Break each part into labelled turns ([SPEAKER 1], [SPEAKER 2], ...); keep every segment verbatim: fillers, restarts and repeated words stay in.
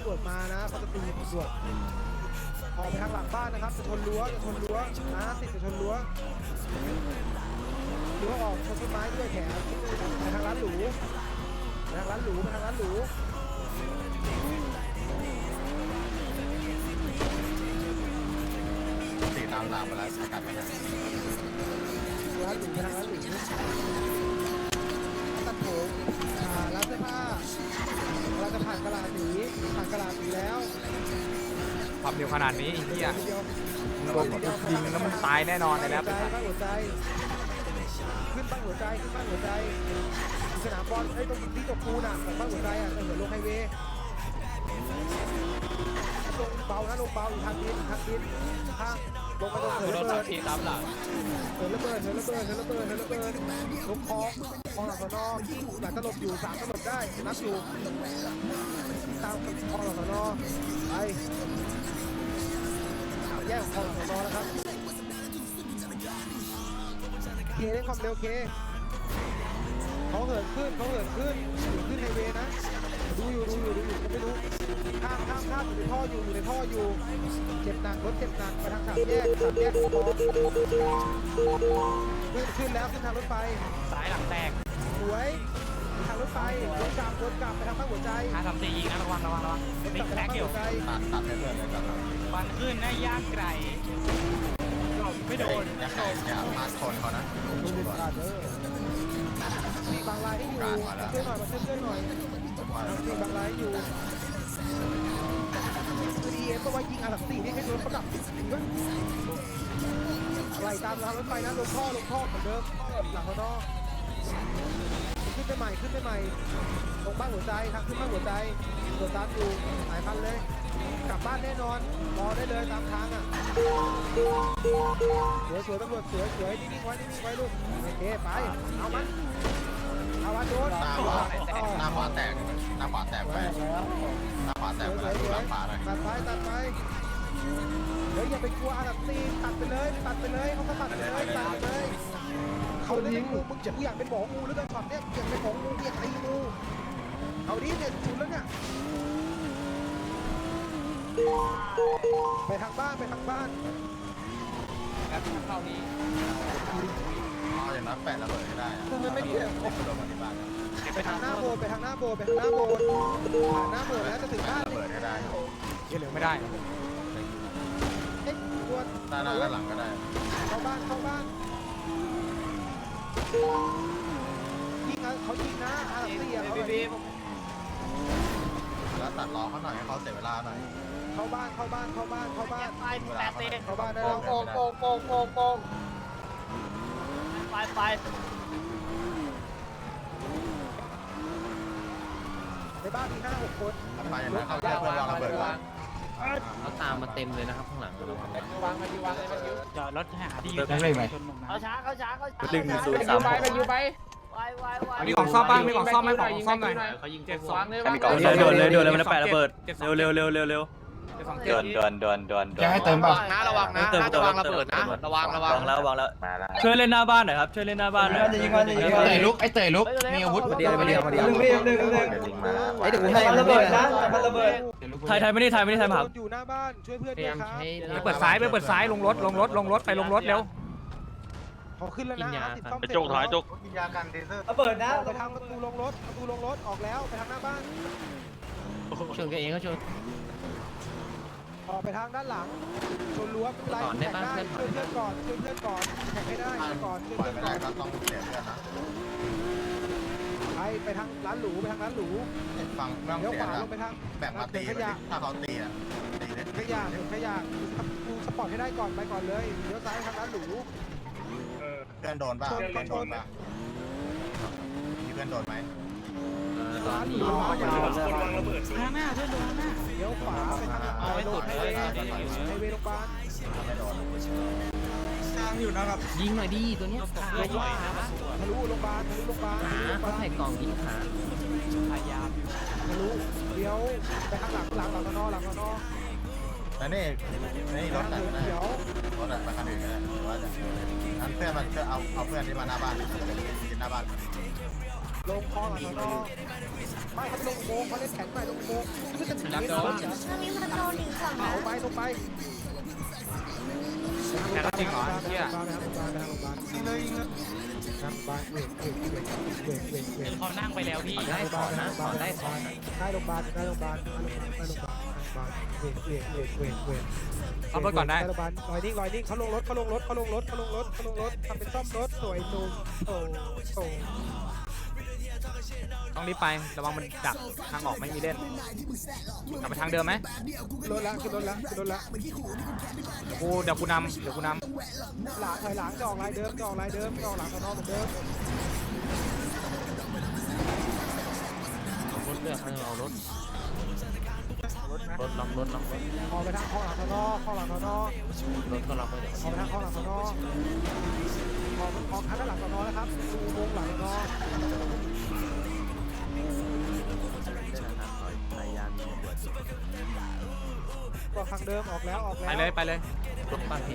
[SPEAKER 1] วจมานะเขาจะตีตำรวจออกไปทางหลังบ้านนะครับจะชนรั้วจะชนรั้วนะติดจะชนรั้วรั้วออกชนต้นไม้ด้วยแถมไปทางร้านหรูไปทางร้านหรูไปทางร้านหรู
[SPEAKER 2] ตีตามหลังมาแล้วสกัดมาแล้ว
[SPEAKER 1] ร้านหรูไปทางร้านหรูตัดผมอ่าร้านเสื้อผ้าเราจะผ่านกระดาษสีผ่านกระดาษสีแล้ว
[SPEAKER 3] ความเร็วขนาดนี้ไอ้เหี้ยมึงโดนยิงแล้วมึงตายแน่นอนเลยนะ
[SPEAKER 1] หัวใจบ้างหัวใจขึ้นบ้างหัวใจขึ้นบ้างหัวใจสนามบอลไอ้ตรงที่ตกปูน่ะของบ้างหัวใจอ่ะเออลงไฮเวย์ลงเบานะลงเบาอยู่ทางดินทางดินข้างลงไปตรงเหินระเบิดเหินระเบิดเหินระเบิดเหินระเบิดเหินระเบิดเหินระเบิดลงคลองคลองหลังสนอหลังตลบอยู่สามตลบได้นับอยู่ตามคลองหลังสนอไปแยกคลองหลังสนอแล้วครับเคเล่นความเร็วเคเขาเหินขึ้นเขาเหินขึ้นอยู่ขึ้นไฮเวย์นะดูอยู่ดูอยู่ดูอยู่ก็ไม่รู้ข้ามข้ามข้ามอยู่ในท่ออยู่อยู่ในท่ออยู่เจ็บหนักรถเจ็บหนักไปทางสามแยกสามแยกคลองขึ้นขึ้นแล้วขึ้นทางรถไฟ
[SPEAKER 3] สายหลังแตก
[SPEAKER 1] สวยทางรถไฟวนกลับวนกลับไปทางบ้านหัวใจ
[SPEAKER 3] ห้าสามสี่ยิงนะระวังระวังระวังติ๊กแท็กอยู่
[SPEAKER 2] ตัดตัดให้เพื่อนเลยครับ
[SPEAKER 3] ฟันขึ้นนะย่างไก่ไม่โดน
[SPEAKER 2] อย่าใครอย่ามาชนเขานะ
[SPEAKER 1] ดูดิขาดเด้อบางรายให้อยู่ช่วยหน่อยมาช่วยช่วยหน่อยมีบางรายอยู่ดีเอ็มก็ว่ายิงอาร์สี่นี่ให้โดนเขาดับอะไรตามทางรถไฟนะลงท่อลงท่อเหมือนเดิมหลังเขาท่อขึ้นไปใหม่ขึ้นไปใหม่ลงบ้านหัวใจทางขึ้นบ้านหัวใจตัวตามอยู่หลายพันเลยกลับบ้านแน่นอนรอได้เลยตามทางอ่ะสวยสวยตำรวจสวยสวยนิ่งๆไว้นิ่งๆไว้ลูกโอเคไปเอามันเอาวันโดน
[SPEAKER 2] หน้าขวาหน้าขวาแตกหน้าขวาแตกไปหน้าขวาแตกไปหน้าขวาเลย
[SPEAKER 1] ตัดไปตัดไปเดี๋ยวอย่าไปกลัวอาดับตีตัดไปเลยตัดไปเลยเขาก็ตัดไปเลยตัดไปเลยเขาเล่นงูมึงจะกูอยากเป็นหมองูหรือเป็นช็อตเนี่ยอยากเป็นหมองูอยากตีงูเอาดิเนี่ยสุดแล้วเนี่ยไปทางบ้านไปทางบ้าน
[SPEAKER 3] แล้วเข้านี้
[SPEAKER 2] อ๋ออย่างนั้นแปะระเบิดไม่ได้
[SPEAKER 1] คือมันไม่เกี่ยวไปทางหน้าโบสไปทางหน้าโบสไปทางหน้าโบสผ่านหน้าโบสแล้วจะถึงบ้าน
[SPEAKER 2] ระเบิดไม่ได้
[SPEAKER 3] เยอะเหลือไม่ได้
[SPEAKER 1] เอ๊ะตัว
[SPEAKER 2] ด้านหน้าด้านหลังก็ได้
[SPEAKER 1] เข้าบ้านเข้าบ้านยิงเขายิงนะอาร์ตี้อ่ะเขา
[SPEAKER 2] แล้วตัดล้อเขาหน่อยให้เขาเสียเวลาหน่อย
[SPEAKER 1] เข้าบ้านเข้าบ้านเข้าบ้านเข้าบ้าน
[SPEAKER 3] ไปแปดเตะ
[SPEAKER 1] เข้าบ้านได้แล้วโกงโกงโกงโกงโกง
[SPEAKER 3] ไปไป
[SPEAKER 1] ในบ้านมีห้าหกคน
[SPEAKER 2] ไปนะเขาเพื่อนวางระเบิดวาง
[SPEAKER 4] เขาตามมาเต็มเลยนะครับข้างหลังเรา
[SPEAKER 1] วางมาดีวางเลยมาดิว
[SPEAKER 3] จอดรถหาที่อยู่ได้ไหม
[SPEAKER 1] เขาช้าเขาช้าเขาช้า
[SPEAKER 4] หนึ่งศูนย์สามไปอยู่ไป
[SPEAKER 3] มีของซ่อมบ้างมีของซ่อมไหมของซ่อมหน่อย
[SPEAKER 4] เขายิงเจ็บสองเลย
[SPEAKER 5] โดนเลยโดนเลยมันแปะระเบิดเร็วเร็วเร็วเร็วเร็ว
[SPEAKER 3] เดิน
[SPEAKER 5] เดินเดินเดินเดิน
[SPEAKER 4] จะให้เติมบ้างนะระวังนะระวังระเบิดนะระวังระวัง
[SPEAKER 5] แล้วระวังแล้วช่วยเล่นหน้าบ้านหน่อยครับช่วยเล่นหน้าบ้านหน่อย
[SPEAKER 4] เตยลุกไอ้เตยลุกมีอาวุธ
[SPEAKER 1] เดียวเดียวเดียวเดียวเดียวเดียว
[SPEAKER 4] ไอ้เดี๋ยวผมให้ระเบิดนะมันระเบิด
[SPEAKER 5] ไทยไทยไม่ได้ไทยไม่ได้ไทยครับ
[SPEAKER 1] อยู่หน้าบ้านช่วยเพื่อนด้วยครับ
[SPEAKER 3] ไปเปิดซ้ายไปเปิดซ้ายลงรถลงรถลงรถไปลงรถเร็ว
[SPEAKER 1] เขาขึ้นแล้วนะ
[SPEAKER 5] ไปจกถอยจก
[SPEAKER 2] กินยากันเทเซอร์
[SPEAKER 1] ระเบิดนะไปทางประตูลงรถประตูลงรถออกแล้วไปทางหน้าบ้าน
[SPEAKER 4] ชนกันเองก็ชน
[SPEAKER 1] ออกไปทางด้านหลังชนรั้วเป็นไรแข่งได้ช่วยเพื่อนก่อนช่วยเพื่อนก่อนแข่งไม่ได้ก่อนช่วยเพื่อนก่อน
[SPEAKER 2] ก็ต้องเสียเพื่อนนะ
[SPEAKER 1] ไปไปทางร้านหรูไปทางร้านหรู
[SPEAKER 2] ฟัง
[SPEAKER 1] เลี้ยวขวาลงไปทาง
[SPEAKER 2] แบบมาตีถ้าเขาตีอ่ะตีเลย
[SPEAKER 1] ขยะขยะดูสปอร์ตให้ได้ก่อนไปก่อนเลยเลี้ยวซ้ายทางร้านหรู
[SPEAKER 2] เพื่อนโดนป่ะเพื่อนโดนป่ะมีเพื่อนโดนไหม
[SPEAKER 1] ร้านหรูทางหน้าเพื่อนโดนหน้าเลี้ยวขวาไปทางไปโดนไฮเวย์ไฮเวย์โรงพยาบาล
[SPEAKER 4] ทางอยู่นะครับยิงหน่อยดีตัวนี้
[SPEAKER 1] ลงว่าทะลุโรงพยาบาลทะลุโรงพยาบาล
[SPEAKER 4] เขาใส่กล่องยิงขา
[SPEAKER 1] พยายามทะลุเลี้ยวไปข้างหลังหลังหลังนอหลังนอ
[SPEAKER 2] แล้วนี่นี่รถไหนก็ได้รถไหนมาคันอื่นก็ได้ว่าจะอันเพื่อนมันจะเอาเอาเพื่อนที่มาหน้าบ้านกินหน้าบ้าน
[SPEAKER 1] ลงคลองหลังนอไม่เขาลงโมงเขาเล่นแข็งไปลงโมงไม่จะถึง
[SPEAKER 3] รับ
[SPEAKER 1] เม
[SPEAKER 3] โด
[SPEAKER 1] ตร
[SPEAKER 3] น
[SPEAKER 6] มันมีพันโดนอีกฝั่ง
[SPEAKER 1] เอา
[SPEAKER 6] นะ
[SPEAKER 1] ไปลงไป
[SPEAKER 3] แค่จริงเหรอเฮีย
[SPEAKER 2] ยิงเลยยิงเลย
[SPEAKER 1] ครับบ้านเวกเวกเวกเวกเวกเวก
[SPEAKER 4] เขานั่งไปแล้วพี่ได้ถอนนะถอนได้ถอนนะ
[SPEAKER 1] ได้โรงพยาบาลได้โรงพยาบาลได้โรงพยาบาลได้โรงพยาบาลเวกเวกเวกเวกเวก
[SPEAKER 3] เอาไปก่อนได้
[SPEAKER 1] โรงพยาบาลลอยนิ่งลอยนิ่งเขาลงรถเขาลงรถเขาลงรถเขาลงรถเขาลงรถทำเป็นซ่อมรถสวยนุ่มโอ้โห
[SPEAKER 3] ต้องรีบไประวังมันดักทางออกไม่มีเล่นกลับไปทางเดิมไหม
[SPEAKER 1] รถละขึ้นรถละขึ้นรถละ
[SPEAKER 3] กูเดี๋ยวกูนำเดี๋ยวกูน
[SPEAKER 1] หลังถอยหลังจะออกลายเดิมจะออกลายเดิมจะออกหลังสนอเหมือนเดิม
[SPEAKER 4] รถเลือกให้เอารถรถล็อกรถล็อกรถ
[SPEAKER 1] ออกไปทางข้อหลังสนอข้อหลังสนอ
[SPEAKER 4] รถก็ล็อกไปเดี๋ยว
[SPEAKER 1] ออกไปทางข้อหลังสนอออกออกทางด้านหลังสนอแล้วครับดูวงหลังสนอก็ทางเดิมออกแล้วออก
[SPEAKER 3] ำ
[SPEAKER 1] แล้ว
[SPEAKER 3] ไปเลยไปเลย
[SPEAKER 4] รถบ้านพี่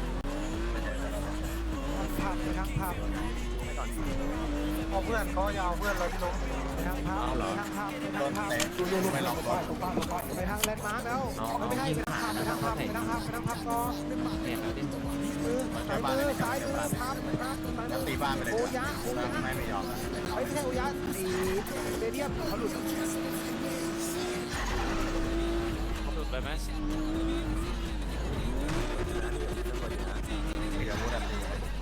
[SPEAKER 1] ผับไปทางผับ
[SPEAKER 2] เอาเพื่อนเขายาวเพื่อนเราที่ลง
[SPEAKER 1] ไปทางผับไปทางผับไป
[SPEAKER 2] โด
[SPEAKER 1] ทาง
[SPEAKER 2] น
[SPEAKER 1] ผับ
[SPEAKER 2] เตะไม่ล็อกรถ
[SPEAKER 1] ไปทางแลนด์มาร์กแล้วไม่ใช่ไปทางผับไปทางผับไปทางผับไปทางผับต่อ
[SPEAKER 4] เนี่ยครับเล่น
[SPEAKER 1] มือซ้ายมือซ้ายมือพับพับซ้าย
[SPEAKER 2] แล้ว
[SPEAKER 1] มื
[SPEAKER 2] ตี
[SPEAKER 1] อ
[SPEAKER 2] บ้านไปเลย
[SPEAKER 1] โอยะโอยะ
[SPEAKER 2] ไม่ไม่ยอม
[SPEAKER 1] ไม่ใช่โอยะตีเตเดียมเขาหลุด
[SPEAKER 3] หลุดไปไหม
[SPEAKER 2] เดี๋ยวมูดันตี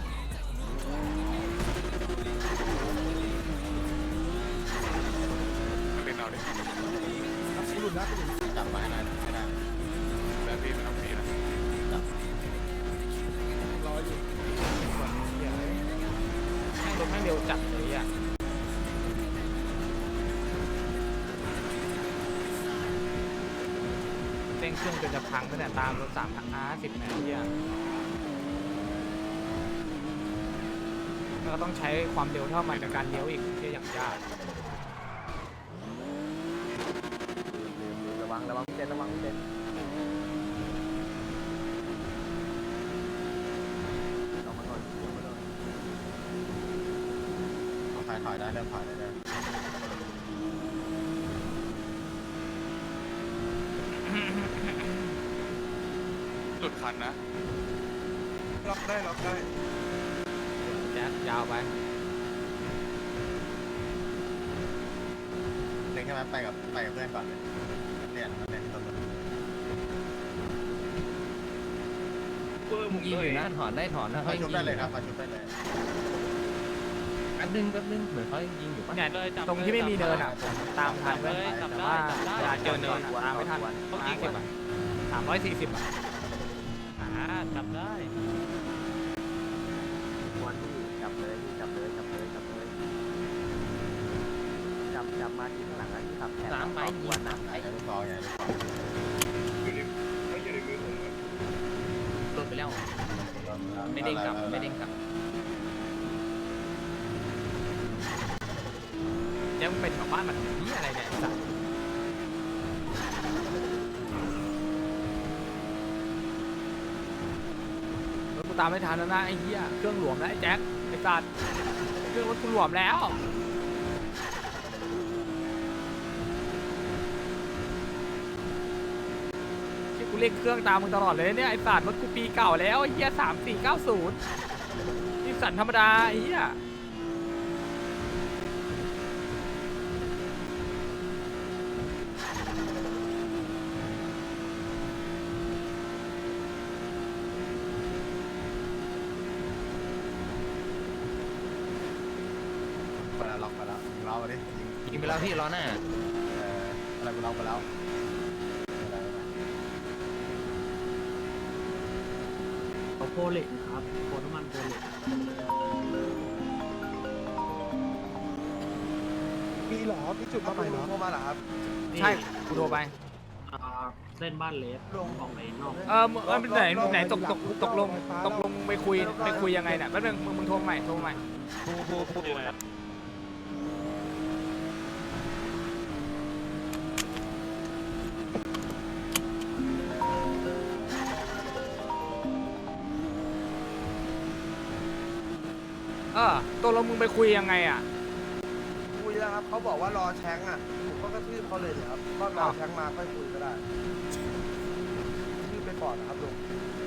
[SPEAKER 3] เป็นเอาดิ
[SPEAKER 1] หลุดแล้วหลุด
[SPEAKER 2] จับมาให้ได้ให้ได้
[SPEAKER 3] แบบพี่ไม่ต้องมีนะ
[SPEAKER 1] รออยู่
[SPEAKER 3] แม่งรถแม่งเร็วจัดเลยอ่ะเร่งเครื่องจนจะพังตั้งแต่ตามรถสามอาร์สิบนาทีอ่ะแล้วก็ต้องใช้ความเร็วเท่าใหม่ในการเลี้ยวอีกที่อย่างยาก
[SPEAKER 4] ระวังระวังเต้นระวังเต้นลงมาก่อนลงมาก่อน
[SPEAKER 2] ถอยถอยได้เริ่มถอยได้เริ่ม
[SPEAKER 3] จุดคันนะ
[SPEAKER 2] ล็อกได้ล็อกได้
[SPEAKER 3] แจ๊คยาวไป
[SPEAKER 2] เล่นแค่นั้นไปกับไปกับเพื่อนก่อนเลยเรียนมันเรียนที่ต้นต้น
[SPEAKER 4] ยิงอยู่นะถอนได้ถอนนะ
[SPEAKER 2] มาชุบได้เลยครับมาชุบได้เลย
[SPEAKER 4] แป๊บนึงแป๊บนึงเหมือนเขายิงอยู่ปะ
[SPEAKER 3] เนี่ยตรงที่ไม่มีเนินอ่ะผมตามทันเลยแต่ว่าเวลาเจอเนินอะตามไม่ทันต้องยี่สิบอ่ะสามร้อยสี่สิบอ่ะอ่าจับได้
[SPEAKER 4] วันที่จับเลยจับเลยจับเลยจับเลยจับจับมาที่ข้างหลังนะที่ขับแทนสามไม้ยิงนะ
[SPEAKER 2] ใหญ่ลูกคอใหญ่ลูกคอ
[SPEAKER 4] โดนไปแล้วไม่เด้งกลับไม่เด้งกลับ
[SPEAKER 3] เจ๊มึงเป็นกับบ้านมันนี่อะไรเนี่ยสัตว์รถกูตามไม่ทันแล้วนะไอ้เหี้ยเครื่องหลวมแล้วไอ้แจ็คไอ้สัตว์เครื่องรถกูหลวมแล้วที่กูเร่งเครื่องตามมึงตลอดเลยเนี่ยไอ้สัตว์รถกูปีเก่าแล้วไอ้เหี้ยสามสี่เก้าศูนย์นี่สันธรรมดาไอ้เหี้ย
[SPEAKER 2] ไปแล้วล็อกไปแล้วยิงเราดิ
[SPEAKER 4] ยิงไปแล้วพี่ล้อหน้า
[SPEAKER 2] เอออะไรกูล็อกไปแล้ว
[SPEAKER 5] โพเล็กครับโพน้ำมันโพเล็ก
[SPEAKER 1] มีเหรอมีจุดมาใหม่เหรอ
[SPEAKER 2] โทรมาเหรอครับ
[SPEAKER 3] ใช่กูโทรไป
[SPEAKER 5] อ่าเส้นบ้านเล็กลงออกไปนอก
[SPEAKER 3] เออมึงเออไหนไหนตกตกตกลงตกลงไปคุยไปคุยยังไงเนี่ยแป๊บนึงมึงมึงโทรใหม่โทรใหม่
[SPEAKER 5] พูพูพูดอะไร
[SPEAKER 3] เออตกลงมึงไปคุยยังไงอ่ะ
[SPEAKER 2] คุยแล้วครับ
[SPEAKER 6] เขาบอกว่ารอแชงอ่ะผมก็กระทืบเขาเลยเนี่ยครับก็รอแชงมาค่อยคุยก็ได้ทืบไปก่อนนะครับลุง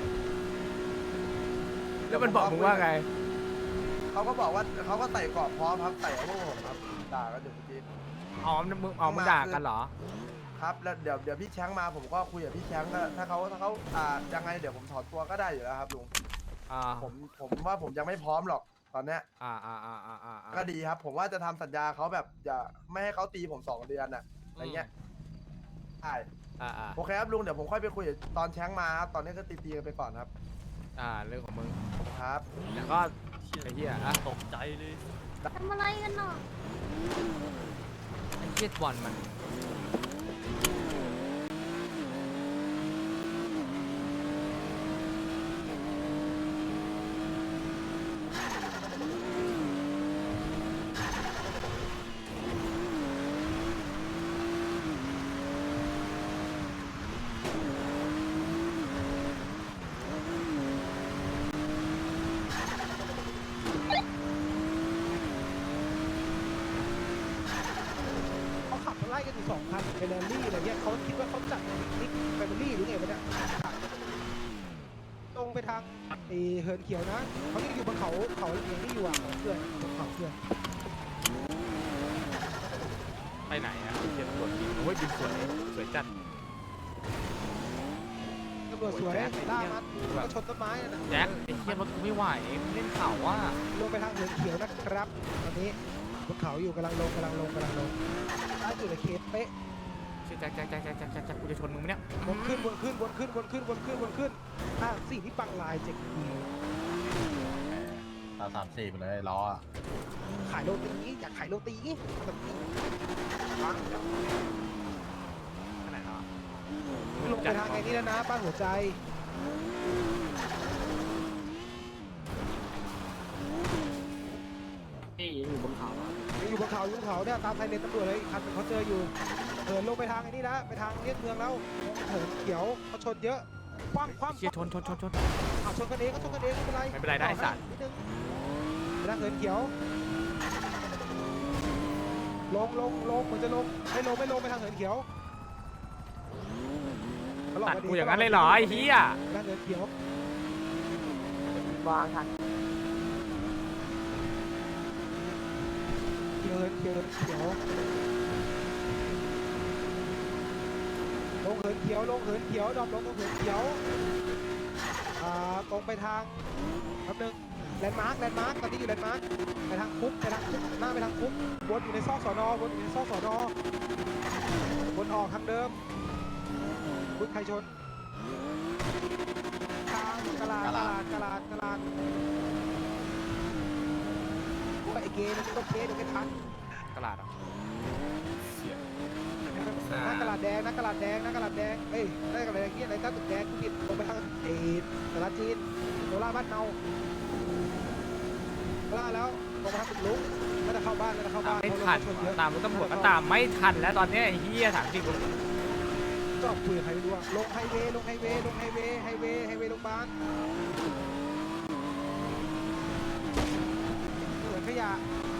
[SPEAKER 3] แล้วมันบอกมึงว่าไง
[SPEAKER 6] เขาก็บอกว่าเขาก็ไต่กรอบพร้อมครับไต่เอาพวกผมครับด่ากันอยู่เมื่อกี้
[SPEAKER 3] อ๋อมึงอ๋อมึงด่ากันเหรอ
[SPEAKER 6] ครับแล้วเดี๋ยวเดี๋ยวพี่แชงมาผมก็คุยกับพี่แชงก็ถ้าเขาถ้าเขาอ่ายังไงเดี๋ยวผมถอนตัวก็ได้อยู่แล้วครับลุง
[SPEAKER 3] อ่า
[SPEAKER 6] ผมผมว่าผมยังไม่พร้อมหรอกตอนเนี้ย
[SPEAKER 3] อ่าอ่าอ่าอ่าอ่า
[SPEAKER 6] ก็ดีครับ ผมว่าจะทำสัญญาเขาแบบอย่าไม่ให้เขาตีผมสองเดือนน่ะอะไรเงี้ยใช่
[SPEAKER 3] อ่าอ่า
[SPEAKER 6] โอเคครับลุงเดี๋ยวผมค่อยไปคุยตอนแชงมาครับตอนนี้ก็ตีตีกันไปก่อนครับ
[SPEAKER 3] อ่าเรื่องของมึง
[SPEAKER 6] ครับ
[SPEAKER 3] แต่ก็ไอ้เหี้ยอ่ะ
[SPEAKER 5] ตกใจเลย
[SPEAKER 7] ทำอะไรกันเนาะ
[SPEAKER 3] ไอ้เหี้ยบอลมัน
[SPEAKER 1] เขาขับมาไล่กันอยู่สองคันเป็นแรลลี่อะไรเงี้ยเขาคิดว่าเขาจัดนิกแฟมิลี่หรือไงวะเนี่ยตรงไปทางไอเหินเขียวนะเขายังอยู่บนเขาเขาอย่างที่อยู่อ่ะของเพื่อนบนเขาเพื่อน
[SPEAKER 3] ไปไหนอ่ะเหี้ยตำรวจบินโอ้ยบินสวยสวยจัด
[SPEAKER 1] ตำรวจสวยล่ามัดก็ชนต้นไม้นะ
[SPEAKER 3] แจ็คไอ้เหี้ยรถกูไม่ไหวเล่นข่าวว่า
[SPEAKER 1] ลงไปทางเหินเขียวนะครับตอนนี้บนเขาอยู่กำลังลงกำลังลงกำลังลงล่าสุดในเคสเป๊ะ
[SPEAKER 3] ชื่อแจ็คแจ็คแจ็คแจ็คแจ็คแจ็คแจ็คกูจะชนมึงไหมเนี่ย
[SPEAKER 1] วนขึ้นวนขึ้นวนขึ้นวนขึ้นวนขึ้นวนขึ้นอ่ะสิ่งที่ปังลายเจ็กดี
[SPEAKER 2] ตาสามสี่ไปเลยล้ออ่ะ
[SPEAKER 1] ขายโรตีอยากขายโรตีแบบนี้ปัง
[SPEAKER 3] ขนาดนั้น
[SPEAKER 1] ลงไปทางไอ้นี่แล้วนะป้านหัวใจ
[SPEAKER 5] นี่ยังอยู่บนเขาอะ
[SPEAKER 1] ยังอยู่บนเขาอยู่บนเขาเนี่ยตามไซเรนตำรวจเลยอีกคันหนึ่งเขาเจออยู่เหินลงไปทางไอ้นี่แล้วไปทางเลียงเมืองแล้วเหินเขียวเขาชนเยอะคว่ำคว่ำ
[SPEAKER 3] เชี่ยชนชนชนชน
[SPEAKER 1] เอาชนกันเองก็ชนกันเองไม่เป็นไร
[SPEAKER 3] ไม่เป็นไรได้สัตว์
[SPEAKER 1] นิดนึงไปทางเหินเขียวลงลงลงเหมือนจะลงไม่ลงไม่ลงไปทางเหินเขียว
[SPEAKER 3] ตัดกูอย่างนั้นเลยเหรอไอ้เหี้ย
[SPEAKER 1] ไปทางเหินเขียว
[SPEAKER 7] วางทัน
[SPEAKER 1] เขียวเขียวเขียวลงเหินเขียวลงเหินเขียวดอมลงตรงเหินเขียวอ่าตรงไปทางแป๊บนึงแลนด์มาร์คแลนด์มาร์คตอนนี้อยู่แลนด์มาร์คไปทางคุกไปทางคุกหน้าไปทางคุกวนอยู่ในซอกสอนอวนอยู่ในซอกสอนอวนออกทางเดิมคุกใครชนทางกลาดกลาดกลาดกลาดไอเกย์มันก็เคสเดี๋ยวไม่ทัน
[SPEAKER 3] ตลาดอ่ะ
[SPEAKER 1] หน้ากระดาษแดงหน้ากระดาษแดงหน้ากระดาษแดงเอ้ยหน้ากระดาษแดงที่อะไรตั้งตึกแดงผิดลงไปทางเอตลาดจีนโดล่าบ้านเนาโดล่าแล้วลงไปทางตึกลุกไม่ได้เข้าบ้านไม่ได้เข้า
[SPEAKER 3] ตา
[SPEAKER 1] บ้าม น
[SPEAKER 3] ไม่
[SPEAKER 1] เพราะ
[SPEAKER 3] ทัน
[SPEAKER 1] รถชนเยอะ
[SPEAKER 3] ตามรถตำรวจก็ตามไม่ทันแล้วตอนนี้ไอ้เหี้ยถามจริง
[SPEAKER 1] จอบคุยกับใครไม่รู้อะลงไฮเวย์ลงไฮเวย์ลงไฮเวย์ไฮเวย์ไฮเวย์โรงพยาบาลเหมือนขยะ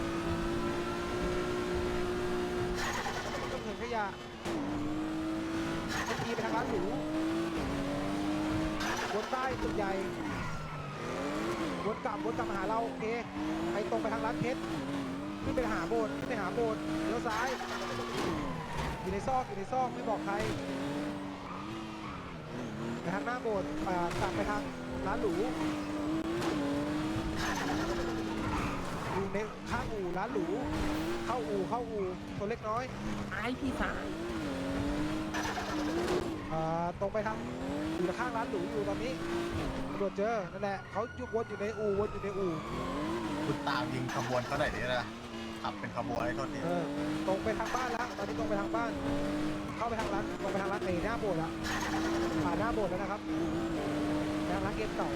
[SPEAKER 1] ต้องเหมือนขยะบางทีไปทางร้านหรูวนใต้ตึกใหญ่วนกลับวนกลับมาหาเราโอเคไปตรงไปทางร้านเพชรขึ้นไปหาโบสถ์ขึ้นไปหาโบสถ์เลี้ยวซ้ายอยู่ในซอกอยู่ในซอกไม่บอกใครไปทางหน้าโบสถ์อ่ากลับไปทางร้านหรูอยู่ในข้างอู่ร้านหรูเข้าอู่เข้าอู่ตัวเล็กน้อย
[SPEAKER 7] ไอพี่สาย
[SPEAKER 1] อ่าตรงไปทางอยู่ข้างร้านหรูอยู่ตอนนี้ตำรวจเจอนั่นแหละเขายุบวนอยู่ในอู่วนอยู่ในอู่
[SPEAKER 2] คุณตามยิงขบวนเขาไหนดีนะขับเป็นขบวนให้โทษที
[SPEAKER 1] เออตรงไปทางบ้านแล้วตอนนี้ตรงไปทางบ้าน เข้าไปทางร้านตรงไปทางร้านเอหน้าโบสถ์แล้วผ่านหน้าโบสถ์แล้วนะครับทางร้านเกมเก่า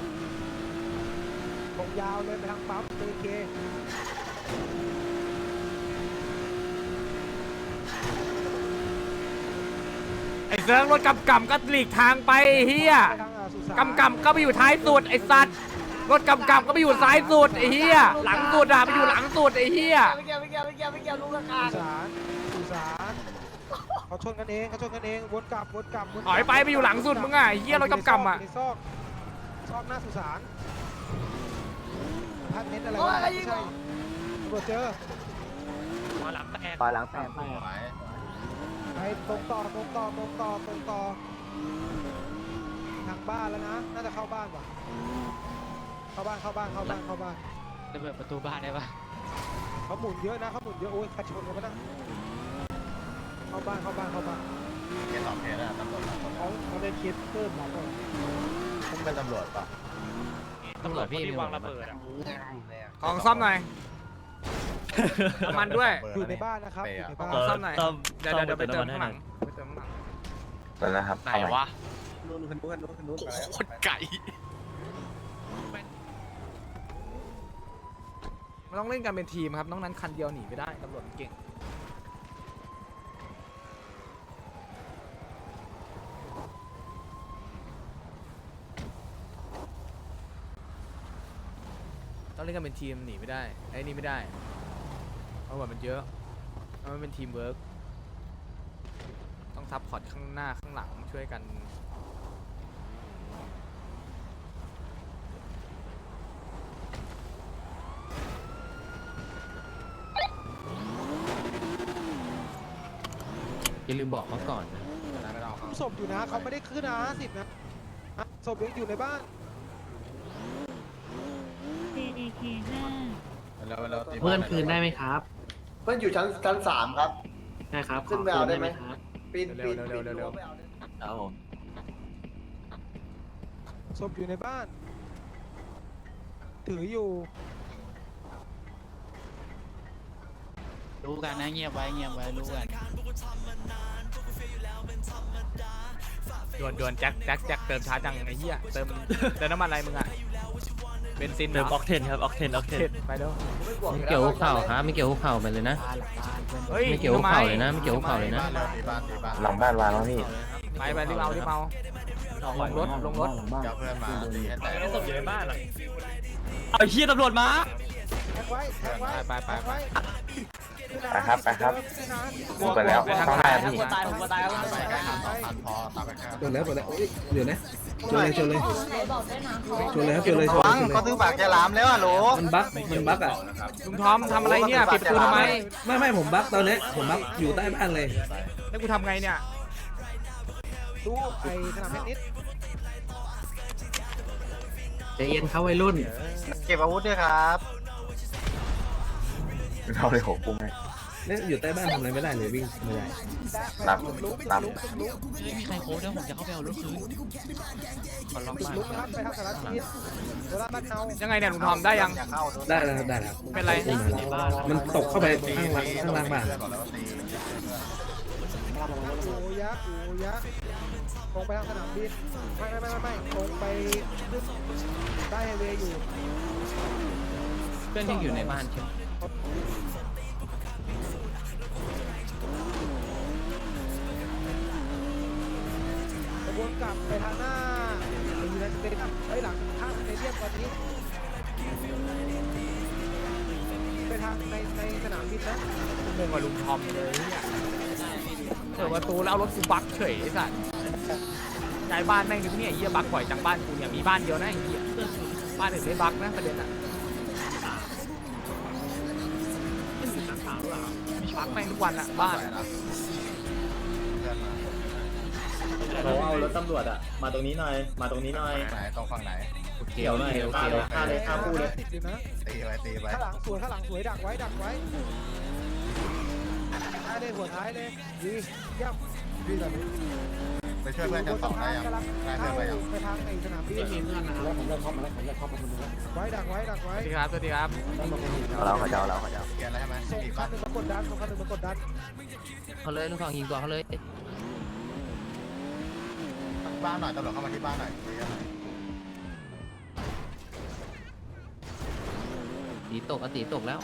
[SPEAKER 1] ตรงยาวเลยไปทางปั๊มตีเค
[SPEAKER 3] ไอ้เซิร์ฟรถกำกำก็หลีกทางไปไอ้เหี้ย
[SPEAKER 1] ไปทางอ่าสุสาน
[SPEAKER 3] กำกำก็ไปอยู่ท้ายสุดไอ้สัตว์
[SPEAKER 1] ไ
[SPEAKER 3] รถกำกับก็ไปอยู่ซ้ายสุดไอ้เหี้ยหลังสุดอะไปอยู่หลังสุดไอ้เหี้ย
[SPEAKER 1] สุสานสุสานเขาชนกันเองเขาชนกันเองวนกลับวนกลับวนก
[SPEAKER 3] ถ
[SPEAKER 1] ลับ
[SPEAKER 3] อยไปไปอยู่หลังสุดมึงอะไอ้เหี้ยรถกำกับอะ
[SPEAKER 1] ในซอกซอกหน้าสุสานพัดเน็ตอะไรวะไม่ใช่ตำรวจเจอ
[SPEAKER 3] หลังแตก
[SPEAKER 7] ปล่อยหลังแตก
[SPEAKER 2] ไหว
[SPEAKER 1] ไปตรงต่อตรงต่อตรงต่อตรงต่อทางบ้านแล้วนะน่าจะเข้าบ้านว่ะเข้าบ้านเข้าบ้านเข้าบ้านเข้าบ้าน
[SPEAKER 3] ระเบิดประตูบ้านได้ปะ
[SPEAKER 1] เขาหมุนเยอะนะเขาหมุนเยอะโอ้ยใครชนกันปะนะเข้าบ้านเข้าบ้านเข้าบ้าน
[SPEAKER 2] เกียร์สองเคสนะตำรวจ
[SPEAKER 1] เขาเขาได้เคสเพิ่มมาก่อน
[SPEAKER 2] พุ่งเป็นตำรวจป่ะ
[SPEAKER 3] ตำรวจพี่วางระเบิดอะของซ่อมหน่อยน้ำมันด้วย
[SPEAKER 1] อยู่ในบ้านนะครับอยู่ในบ้าน
[SPEAKER 3] ของซ่อมหน่อยเดี๋ยวเดี๋ยวไปเติมข้างหลังไปเติมข้างหลัง
[SPEAKER 8] แล้วนะครับ
[SPEAKER 4] ไหนวะ
[SPEAKER 2] นู้นนู้นนู้นนู้นนู้น
[SPEAKER 4] โคตรไก่
[SPEAKER 3] มันต้องเล่นกันเป็นทีมครับน้องนั้นคันเดียวหนีไม่ได้ตำรวจเก่งต้องเล่นกันเป็นทีมหนีไม่ได้ไอ้นี่ไม่ได้เพราะว่ามันเยอะมันเป็นทีมเวิร์กต้องซับพอร์ตข้างหน้าข้างหลังช่วยกัน
[SPEAKER 4] อย่าลืมบอกเขาก่อนนะ
[SPEAKER 1] ศพอยู่นะเขาไม่ได้ขึ้นนะห้าสิบนะศพยังอยู่ในบ้าน
[SPEAKER 7] เอเอเคห้า
[SPEAKER 2] แล้วแล้ว
[SPEAKER 5] เพื่อนคืนได้ไหมครับ
[SPEAKER 6] เพื่อนอยู่ชั้นชั้นสามครับ
[SPEAKER 5] ใช่ครับ
[SPEAKER 6] ขึ้นไปเอาได้ไหม
[SPEAKER 5] ครับ
[SPEAKER 6] ปีนปีน
[SPEAKER 3] เร็วเร็วเร็วเร็ว
[SPEAKER 4] ครับผม
[SPEAKER 1] ศพอยู่ในบ้าน ถืออยู่
[SPEAKER 4] รู้กันนะเงียบไว้เงียบไว้รู้กัน
[SPEAKER 3] ดวนดวนแจ็คแจ็คแจ็คเติมช้าจังไอ้เหี้ยเติมเติมน้ำมันอะไรมึงอะเบนซินเติมออกเทนครับออกเทนออกเทนไปเด้อ
[SPEAKER 4] ไม่เกี่ยวหัวเข่าครับไม่เกี่ยวหัวเข่าไปเลยนะ
[SPEAKER 3] เฮ้ย
[SPEAKER 4] ไม่เกี่ยวหัวเข่าเลยนะไม่เกี่ยวหัวเข่าเลยนะ
[SPEAKER 2] ตีบ้านตีบ้าน
[SPEAKER 8] หลังบ้านวางแล้วพี่
[SPEAKER 3] ไปไปรีบเอารีบเอาลงรถลงรถ
[SPEAKER 2] เจ้าเพื่อนมาตีให้แตก
[SPEAKER 3] ศพอยู่ในบ้านเหรอ
[SPEAKER 4] เอาเฮียตำรวจมา
[SPEAKER 1] แท็กไว้แท็กไว้
[SPEAKER 3] ไปไปไป
[SPEAKER 8] ไปครับไปครับพูดไปแล้วต้องได้พี่
[SPEAKER 4] ตายผมก็ตายแล้ว
[SPEAKER 2] ไปใกล้หันสองพันพอตามไปแค่
[SPEAKER 9] เปิดแล้วเปิดแล้วเดี๋ยวนะชนเลยชนเลย
[SPEAKER 7] ไหนบอกด้วยนะ
[SPEAKER 9] ชนเลยครับชนเลยชนเลยชนเลย
[SPEAKER 2] เขาซื้อปากจะหลามแล้วอ่ะโหล
[SPEAKER 9] มันบั๊กมันบั๊กอ่ะ
[SPEAKER 3] ลุงทอมทำอะไรเนี่ยปิดประตูทำไม
[SPEAKER 9] ไม่ไม่ผมบั๊กตอนนี้ผมบั๊กอยู่ใต้บ้านเลย
[SPEAKER 3] แล้วกูทำไงเนี่ย
[SPEAKER 1] ดูไอ้สนามเทนนิส
[SPEAKER 5] ใจเย็นเขาวัยรุ่น
[SPEAKER 2] เก็บอาวุธด้วยครับ
[SPEAKER 8] เราเลยหกกุ้งให้
[SPEAKER 9] เนี่ยอยู่ใต้บ้านทำอะไรไม่ได้เลยวิ่งไม่ได้
[SPEAKER 8] รับรับ
[SPEAKER 4] ไม่มีใครโค้ดแล้วผมจะเข้าไปเอารถคืน
[SPEAKER 3] ขอลอง
[SPEAKER 1] ปิด
[SPEAKER 3] บ้าน
[SPEAKER 1] ลุกนะครับไปทางสารทิศโดราบ้านเฮา
[SPEAKER 3] ยังไงเนี่ยลุงทอมได้ยัง
[SPEAKER 9] ได้แล้วครับได้แล้ว
[SPEAKER 3] เป็นไร
[SPEAKER 9] มันตกเข้าไปข้างล่างข้างล่างบ้าน
[SPEAKER 1] โอ้ยักษ์โอ้ยักษ์ตรงไปทางสนามบินไม่ไม่ไม่ไม่ตรงไปขึ้นใต้ไฮเวย์อยู่
[SPEAKER 4] เพื่อนยังอยู่ในบ้านใช่ไหม
[SPEAKER 1] กระบวนกลับไปทางหน้าไปยูไนเต็ดไอ้ยหลังข้างสเตเดียมตอนนี้ไปทางในในสนามบินนะ
[SPEAKER 3] งงกับลุงทอมเลยเนี่ยเปิดประตูแล้วเอารถกูบักเฉยไอ้สัสย้ายบ้านแม่งดิเนี่ยไอ้เหี้ยบักบ่อยจังบ้านกูเนี่ยมีบ้านเดียวนะไอ้เหี้ยบ้านอื่นไม่บักนะประเด็นอะบักแม่งทุกวันอะบ้าน
[SPEAKER 2] เราเอารถตำรวจอ่ะมาตรงนี้หน่อยมาตรงนี้หน่อยไหนตรงฝั่งไหน
[SPEAKER 4] เกี่ยวหน่อย
[SPEAKER 2] ฆ่าเลยฆ่าเลยฆ่าคู่เลย
[SPEAKER 1] ดีนะ
[SPEAKER 2] ตีไปตีไป
[SPEAKER 1] ข้างหลังสวยข้างหลังสวยดักไว้ดักไว้ท้ายเลยหัวท้ายเลยดีเยี่ยมดีแบบนี้
[SPEAKER 2] ไปช่วยเพื่อนชั้นสองได้ยังได้เพื่อนไปยัง
[SPEAKER 1] ไปทางไอ้สนามบิน
[SPEAKER 5] มีเพื่อนนะครับ
[SPEAKER 1] ไว้ดักไว้ดักไว้
[SPEAKER 3] สวัสดีครับสวัสดีครับ
[SPEAKER 8] เราเขาจะเอาเราเขาจะเอา
[SPEAKER 2] เกียร์อะไรใช่ไหม
[SPEAKER 1] ส่ง
[SPEAKER 2] อีก
[SPEAKER 1] คั
[SPEAKER 2] บ้าน น
[SPEAKER 1] หนึ่งมากดดันส่งคันหนึ่งมากดดัน
[SPEAKER 4] เขาเลยลูกฝั่งยิงตัวเขาเลย
[SPEAKER 2] บ้านหน่อยตำรวจเข้ามาที่บ้านหน่อย
[SPEAKER 4] ตีตกอตีตกแล้ว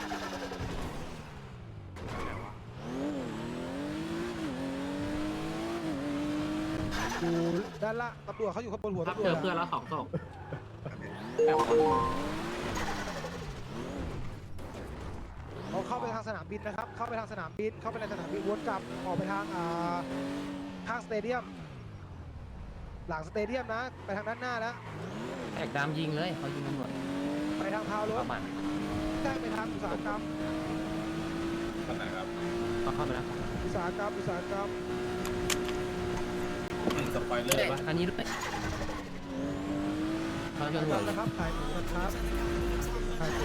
[SPEAKER 1] อยู่ด้านล่างตำรวจเขาอยู่ข้างบนหัว
[SPEAKER 5] ครับ
[SPEAKER 1] ตำรว
[SPEAKER 5] เจ
[SPEAKER 1] จ
[SPEAKER 5] อเพื่อนแล้วสองศพ
[SPEAKER 1] เขาเข้าไปทางสนามบินนะครับ เข้าไปทางสนามบิน เข้าไปในสนามบินวนกลับออกไปทางอ่าข้างสเตเดียม หลังสเตเดียมนะ ไปทางด้านหน้าแล้ว
[SPEAKER 4] แอกดามยิงเลยเขายิงตำรวจ
[SPEAKER 1] ไปทางพาวรถ
[SPEAKER 4] ประมาณ
[SPEAKER 1] ใช่ไปทางอุตสาหกรรม
[SPEAKER 4] เขาเข้าไปแล้ว
[SPEAKER 1] อุตสาหกรรม อุตสาหกรรม
[SPEAKER 4] อันนี้ด้วยเขาจะ
[SPEAKER 1] ขาย
[SPEAKER 4] หัว
[SPEAKER 1] หมูนะครับขายหมูนะครับขายหมู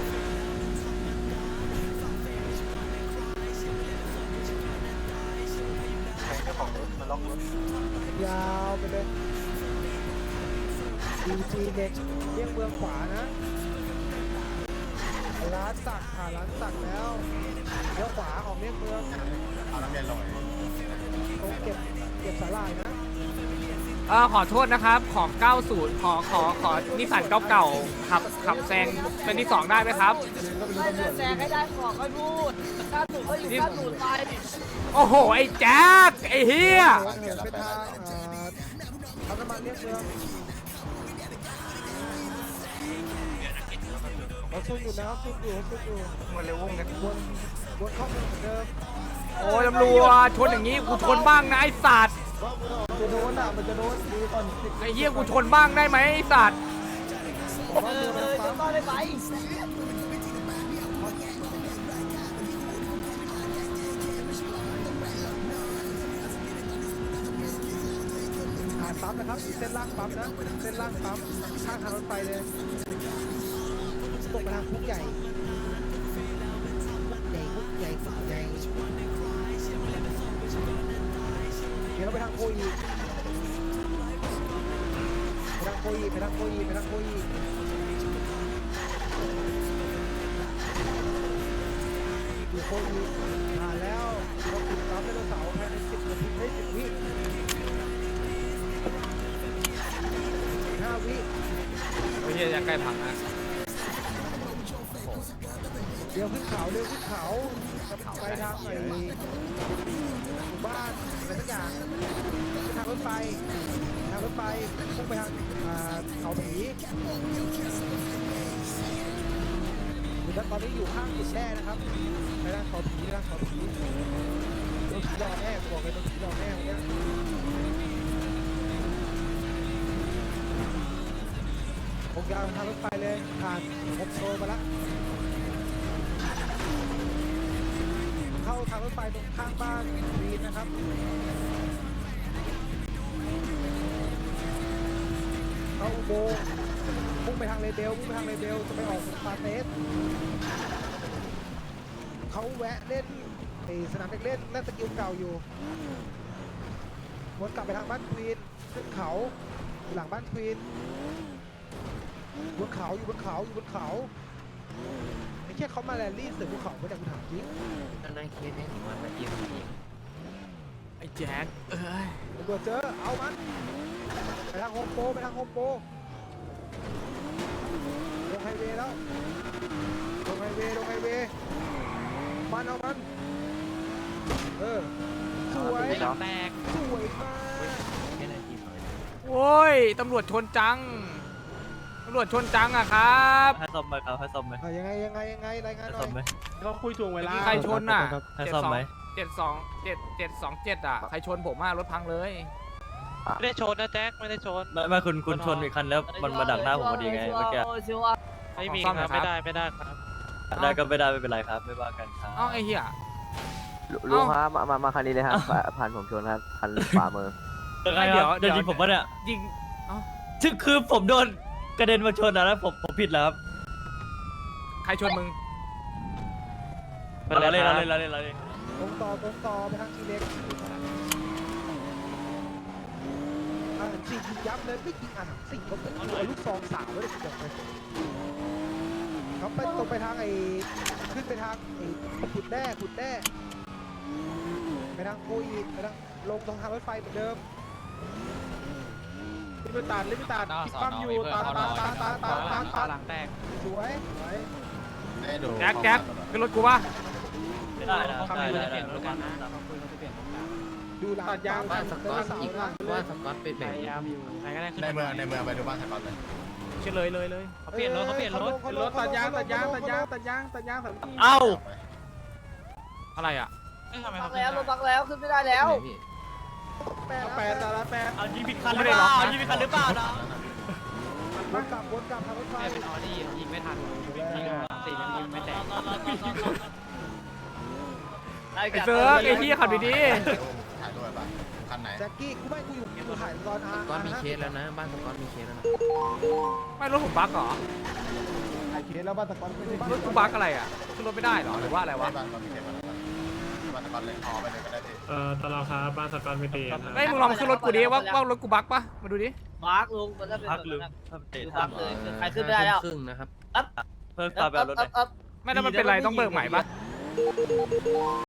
[SPEAKER 1] ยาวไปเลยดีจีเด็กเลี่ยงเมืองขวานะร้านสักผ่านร้านสักแล้วเลี้ยวขวาออกเลี่ยงเมือง
[SPEAKER 2] เอาน้ำเย็นลง
[SPEAKER 1] ตรงเก็บเก็บสาหร่ายนะ
[SPEAKER 3] เออขอโทษนะครับขอเก้าสิบขอขอขอนิสสันเก่าๆขับขับแซงเป็นที่สองได้ไหมครับ
[SPEAKER 10] แซงให้ได้ขอค่อยพูดถ้าถูกก็อยู่ถ้าถูกไป
[SPEAKER 3] โอ้โหไอ้แจ๊คไอ้เฮีย
[SPEAKER 1] เหินไปทางเอ่อทางน้ำมันเลี่ยงเมืองเราซุ่มอยู่นะซุ่มอยู่ซุ่มอยู่วนเร็ววงกันวนวนเข้าเมืองเหมือนเดิม
[SPEAKER 3] โอ้ยตำรวจชนอย่างนี้กูชนบ้างนะไอ้สัตว์
[SPEAKER 6] จะโดนอ่ะมันจะโดนดีก่อน
[SPEAKER 3] ไอ้เฮียกูชนบ้างได้ไหมไอ้สัตว์
[SPEAKER 10] เออเออจะต้องได้ไป
[SPEAKER 1] ผ่านปั๊มนะครับเส้นล่างปั๊มนะเส้นล่างปั๊มข้างทางรถไฟเลยตกไปทางคุกใหญ่คุกใหญ่คุกใหญ่คุกใหญ่เดี๋ยวเราไปทางโคอีไปทางโคอีไปทางโคอีไปทางโคอีอยู่โคอีผ่านแล้วเราติดตามไดโนเสาร์ภายในสิบนาทีได้สิบวิห้าวิ
[SPEAKER 3] ไอ้เฮียจะใกล้พังนะ
[SPEAKER 1] เดี๋ยวขึ้นเขาเดี๋ยวขึ้นเขาไปทางไหนหมู่บ้านอะไรสักอย่างไปทางรถไฟทางรถไฟพุ่งไปทางอ่าเขาผีแล้วตอนนี้อยู่ข้างจุดแน่นะครับไปทางเขาผีทางเขาผีรถผีรอแน่บอกเลยรถผีรอแน่วันนี้ผมยาวทางรถไฟเลยผ่านโฮมโปรมาแล้วเข้าทางรถไฟตรงข้างบ้านวีนนะครับเข้าอุโมงค์พุ่งไปทางเลเบลพุ่งไปทางเลเบลจะไปออกสปาเตสเขาแวะเล่นไอสนามเด็กเล่นเล่นสกิลเก่าอยู่วนกลับไปทางบ้านควีนขึ้นเขาหลังบ้านควีนบนเขาอยู่บนเขาอยู่บนเขาไอ้แค่เขามาแรลลี่เสือภูเขาไม่ได้กูถามจริง
[SPEAKER 4] อันนั้นเคสนี้ผมว่ามันเอียงอีก
[SPEAKER 3] ไอ้แจ๊คเอ้ย
[SPEAKER 1] ตำรวจเจอเอามันไปทางโฮมโปรไปทางโฮมโปรลงไฮเวย์แล้วลงไฮเวย์ลงไฮเวย์มันเอามันเออสวย
[SPEAKER 3] แตก
[SPEAKER 1] สวยมาก
[SPEAKER 4] แค่นาทีหน่อย
[SPEAKER 3] โอ้ยตำรวจชนจังตำรวจชนจังอะครับ
[SPEAKER 5] ให้ซ่อมไหมครับให้ซ่อมไหม
[SPEAKER 1] อ่ะยังไงยังไงยังไงรายงาน
[SPEAKER 5] ให้
[SPEAKER 1] หน่
[SPEAKER 5] ซ่
[SPEAKER 1] อ
[SPEAKER 5] อมไหม
[SPEAKER 1] ย
[SPEAKER 9] ก็คุยทวงเวลา
[SPEAKER 3] มีใครชนน่ะ
[SPEAKER 5] ให้
[SPEAKER 3] เจ็ด
[SPEAKER 5] ซ่อม
[SPEAKER 3] สอง
[SPEAKER 5] ไหม
[SPEAKER 3] เจ็ดสองเจ็ดเจ็ดสองเจ็ดอะใครชนผมอะรถพังเลย
[SPEAKER 10] ไม่ได้ชนนะแจ็คไม่ได้ชน
[SPEAKER 5] ไม่ไม่คุณคุณชนอีกคันแล้วมันมาดักหน้าผมพอดีไงเมื่อกี้
[SPEAKER 10] ไม่มี
[SPEAKER 3] ซ่อม
[SPEAKER 10] ค
[SPEAKER 3] หน่
[SPEAKER 10] รั
[SPEAKER 3] อบ ยครับ
[SPEAKER 10] ไม่ได้ไม่ได้ครับ
[SPEAKER 5] ได้ก็ไม่ได้ไม่เป็นไรครับไม่ว่ากันครับ
[SPEAKER 3] เอ้าไอ้เหี้ย
[SPEAKER 8] ลุงครับมามามาคันนี้เลยครับผ่านผมชนครับคันขวามือ
[SPEAKER 5] ยังไงครับเดี๋ยวยิงผมปะเนี่ย
[SPEAKER 3] ยิงเอ้า
[SPEAKER 5] ซึ่งคือผมโดนกระเด็นมาชนนะแล้วผมผมผิดแล้วครับ
[SPEAKER 3] ใครชนมึง
[SPEAKER 5] เราเล่นเราเล่นเราเล่นเราเล่น
[SPEAKER 1] ตรงต่อตรงต่อไปทางทีเล็กอ่านสี่ยิงยับเลยไม่ยิงอ่านสี่เขาเป็นตัวลูกซองสาวเลยบอกเลยเขาไปตรงไปทางไอ้ขึ้นไปทางไอ้ขุดแร่ขุดแร่ไปทางโคอีไปทางลงตรงทางรถไฟเหมือนเดิมลิมิตาลิมิตาคิดปั๊มอยู่ตาตาตาตาตาตาตา
[SPEAKER 3] หลังแตก
[SPEAKER 1] สวยสวย
[SPEAKER 2] ได้ดู
[SPEAKER 3] แจ็คแจ็คขึ้นรถกูป่ะ
[SPEAKER 5] ไม่ได้นะ
[SPEAKER 10] เขา
[SPEAKER 5] ได้
[SPEAKER 10] คุย
[SPEAKER 5] ได้
[SPEAKER 10] จะเปลี่ยนรถกันนะ
[SPEAKER 5] ได้
[SPEAKER 10] เขาคุยจะเปลี่ยนรถกัน
[SPEAKER 1] ดูหลังยาง
[SPEAKER 4] บ้านสกอต
[SPEAKER 1] เสา
[SPEAKER 4] อีก
[SPEAKER 1] หลัง
[SPEAKER 4] ว่าสกอตเป็น
[SPEAKER 10] พ
[SPEAKER 4] แบบ
[SPEAKER 10] ยายามอยู่ใครก็ได้ขึ้น
[SPEAKER 2] ในเมืองในเมืองไปดูบ้านสกอตเลย
[SPEAKER 3] เชื่อเลยเลยเลย
[SPEAKER 4] เขาเปลี่ยนรถเขาเปลี่ยนรถ
[SPEAKER 1] รถตัดยางตัดยางตัดยางตัดยางตัดยางตัด
[SPEAKER 3] เอ้าอะไรอ่ะ
[SPEAKER 10] บักแล้วรถบักแล้วขึ้นไม่ได้แล้ว
[SPEAKER 1] แปดแปดแต่ละแปด
[SPEAKER 4] เอายิงผิดคันหรือเปล่ายิงผิดคันหรือเปล่านะ
[SPEAKER 1] วนกลับวนกลับทางรถไฟ
[SPEAKER 4] เป็นออดี้ยิงไม่ทันยิงสี่ยังยิงไม่แตก
[SPEAKER 3] ไอ้เซิร์กไอ้ที่ขับดี
[SPEAKER 2] ถ่ายด้วยป่ะคันไหน
[SPEAKER 1] แจ็คกี้กูไม่กูอยู่กูถ่ายตอนอา
[SPEAKER 4] ก้อนมีเคสแล้วนะบ้านสก้อนมีเคสแล้วนะ
[SPEAKER 3] ๆไม่รถผมบั๊กเหรอ
[SPEAKER 1] ถ่ายเคสแล้วบ้านตะกอนไม่ได้
[SPEAKER 3] รถกูบั๊กอะไรอ่ะขึ้นรถไม่ได้เหรอหรือว่าอะไรวะ
[SPEAKER 2] บ้านก็มีเทปมาแล้วบ้านตะกอนเลยพอไปเลยก็ได้ดิ
[SPEAKER 5] เอ่อตลอดครับบ้านสกอตไม่ตีครับ
[SPEAKER 3] ไอ้ยมึงลองขึ้นรถกูดิว่าว่ารถกูบั๊กปะมาดูดิ
[SPEAKER 10] บักลุงมันจะเป็นแบบนั้นคือบักเลยใครขึ้นไม่ได้แล้ว
[SPEAKER 4] ครึ่งนะครับ
[SPEAKER 10] เพิ่มความแบบรถเลย
[SPEAKER 3] ไม่แล้วมันเป็นไรต้องเบิกใหม่ปะ